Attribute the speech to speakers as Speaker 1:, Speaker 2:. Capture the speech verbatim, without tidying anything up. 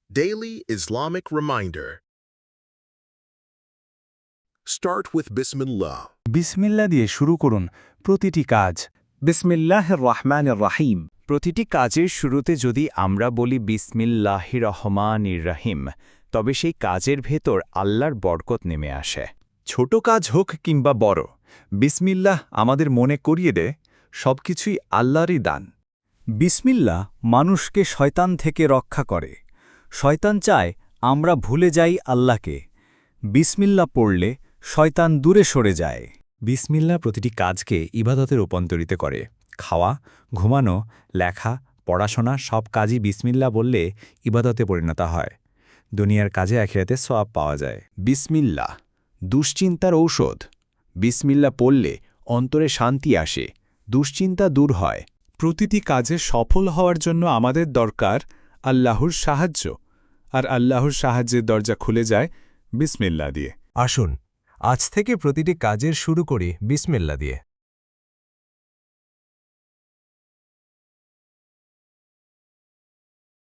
Speaker 1: Daily Islamic Reminder. Start with Bismillah.
Speaker 2: বিসমিল্লা দিয়ে শুরু করুন প্রতিটি কাজ।
Speaker 3: বিসমিল্লাহির রহমানির রহিম।
Speaker 4: প্রতিটি কাজের শুরুতে যদি আমরা বলি বিসমিল্লাহির রহমানির রহিম, তবে সেই কাজের ভেতর আল্লাহর বরকত নেমে আসে।
Speaker 5: ছোট কাজ হোক কিংবা বড়, বিসমিল্লাহ আমাদের মনে করিয়ে দেয় সবকিছুই আল্লাহরই দান।
Speaker 3: বিসমিল্লাহ মানুষকে শয়তান থেকে রক্ষা করে। শয়তান চায় আমরা ভুলে যাই আল্লাহকে। বিসমিল্লাহ পড়লে শয়তান দূরে সরে যায়।
Speaker 5: বিসমিল্লাহ প্রতিটি কাজকে ইবাদতে রূপান্তরিত করে। খাওয়া, ঘুমানো, লেখা, পড়াশোনা সব কাজই বিসমিল্লাহ বললে ইবাদতে পরিণত হয়। দুনিয়ার কাজে আখিরাতে সওয়াব পাওয়া যায়।
Speaker 4: বিসমিল্লাহ দুশ্চিন্তার ঔষধ। বিসমিল্লাহ পড়লে অন্তরে শান্তি আসে, দুশ্চিন্তা দূর হয়।
Speaker 2: প্রতিটি কাজে সফল হওয়ার জন্য আমাদের দরকার আল্লাহর সাহায্য, আর আল্লাহর সাহায্যের দরজা খুলে যায় বিসমিল্লাহ দিয়ে।
Speaker 6: আসুন আজ থেকে প্রতিটি কাজের শুরু করি বিসমিল্লাহ দিয়ে।